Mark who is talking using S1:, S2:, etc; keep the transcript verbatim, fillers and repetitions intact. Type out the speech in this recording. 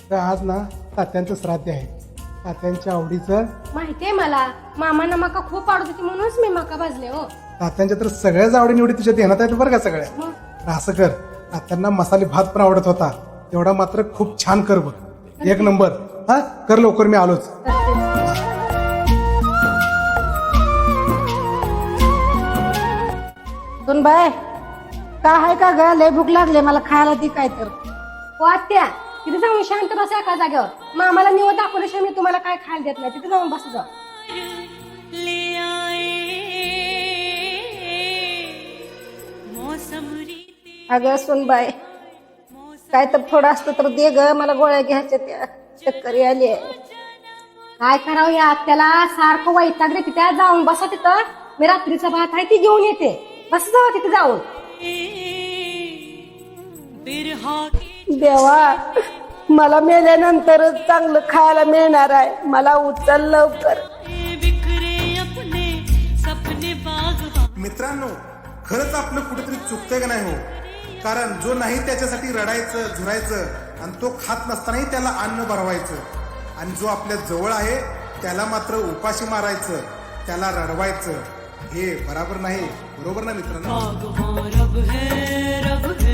S1: तर आज ना तात्यांचं श्राद्ध आहे. तात्यांच्या आवडीचं.
S2: माहितीये मला, मामांना मका खूप आवडत होती म्हणूनच मी मका भाजले हो.
S1: तात्यांच्या तर सगळ्याच आवडी निवडी तुझ्या ध्यानात आहेत बरं का सगळ्या.
S2: मग
S1: तर असं कर, तात्यांना मसाले भात पण आवडत होता, तेवढा मात्र खूप छान कर बघ. एक नंबर. हा कर लवकर, मी आलोच.
S3: सुन बाय, का आहे का ग? लय भूक लागले मला, खायला ती काय तर.
S2: हो आत्या, तिथे जाऊन शांत बसा एका जागेवर. मामाला निवड दाखवल्याशिवाय मी तुम्हाला काय खायला देत नाही. तिथे जाऊन बसू जा.
S3: अगं सुन बाय, काय तर थोडं असतं तर दे ग, मला गोळ्या घ्यायच्या त्या, चक्कर आली आहे.
S2: काय करावं या आत्याला, सारखं वैतागले. तिथे जाऊन बसा तिथं. मी रात्रीचा भात आहे ती घेऊन येते. बस जावा तिथे जाऊन.
S3: देवा, मला मेल्यानंतरच चांगलं खायला मिळणार आहे. मला उचल लवकर.
S1: मित्रांनो, खरंच आपलं कुठेतरी चुकतंय का नाही हो? कारण जो नाही त्याच्यासाठी रडायचं झुरायचं आणि तो खात नसतानाही त्याला अन्न भरवायचं, आणि जो आपल्या जवळ आहे त्याला मात्र उपाशी मारायचं, त्याला रडवायचं, हे बरोबर नाही. बरोबर ना मित्रांनो?